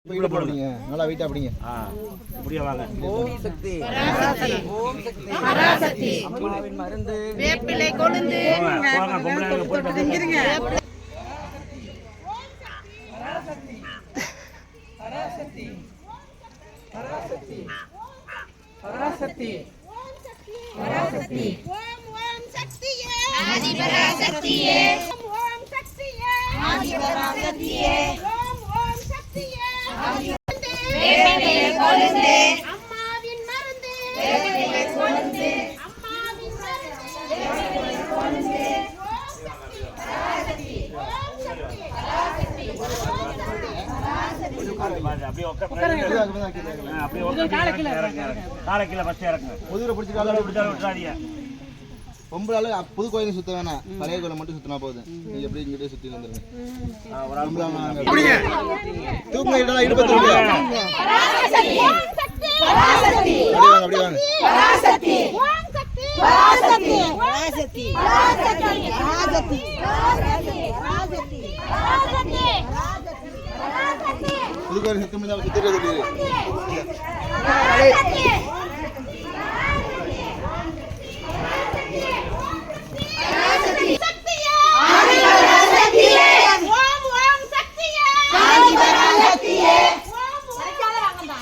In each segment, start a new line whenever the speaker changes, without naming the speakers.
போடுங்க நல்லா வெயிட்டா அப்படிங்க
அப்படியே வாங்க.
ஓம் சக்தி பராசக்தி ஓம் சக்தி பராசக்தி அம்மாவின் மருந்து வேப்பிலை கொழுந்து
போங்க பொம்பளைங்க போட்டு
திங்கிருங்க பராசக்தி பராசக்தி பராசக்தி பராசக்தி
ஓம் ஓம் சக்தியே ஆதி பராசக்தியே ஓம் சக்தியே ஆதி பராசக்தியே ஓம் ஓம் சக்தியே ஆதி வேப்பிலை கொழுந்து அம்மாவின் மருந்து வேப்பிலை கொழுந்து அம்மாவின் மருந்து வேப்பிலை கொழுந்து ஓம் சக்தி பராசக்தி ஓம் சக்தி பராசக்தி
அப்படியே அப்படியே காலை கீழே ஃபர்ஸ்ட் இறக்குங்க.
முதுகுல பிடிச்சி
காலை பிடிச்சாலும் விட்டுறாதீங்க.
பொம்பளால புது கோயிலை சுத்த வேணாம், பழைய கோயிலை மட்டும் சுத்தினா போதும். நீங்க எப்படி இங்கிட்டே சுத்தி வந்துருங்க.
ஒரு ஆள்
தூக்குங்க இதெல்லாம் இடுப்பத்து
பராசக்தி ஓம் சக்தி பராசக்தி
அப்படி வாங்க
பராசக்தி ஓம் சக்தி பராசக்தி பராசக்தி பராசக்தி பராசக்தி பராசக்தி பராசக்தி பராசக்தி
புது கோயிலை சுத்தம் தான் சுத்திட்டு
பராசக்தி சக்தியே ஆதி பராசக்தியே ஓம் ஓம் சக்தியே ஆதி பராசக்தியே ஓம் சரியால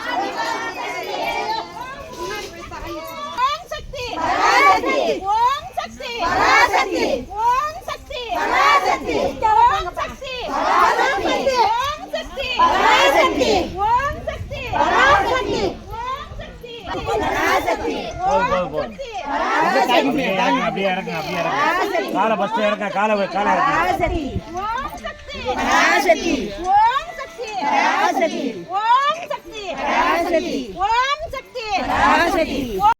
வாங்கடா ஓம் சக்தி பராசக்தி ஓம் சக்தி பராசக்தி ஓம் சக்தி பராசக்தி ஓம் சக்தி பராசக்தி ஓம் சக்தி பராசக்தி ஓம் சக்தி பராசக்தி
போதும். அப்படியே இறக்குங்க அப்படியே இறக்குங்க. காலை ஃபர்ஸ்ட் இறக்குங்க. காலை இறக்குங்க.
பராசக்தி ஓம் சக்தி பராசக்தி ஓம் சக்தி பராசக்தி ஓம் சக்தி பராசக்தி ஓம் சக்தி பராசக்தி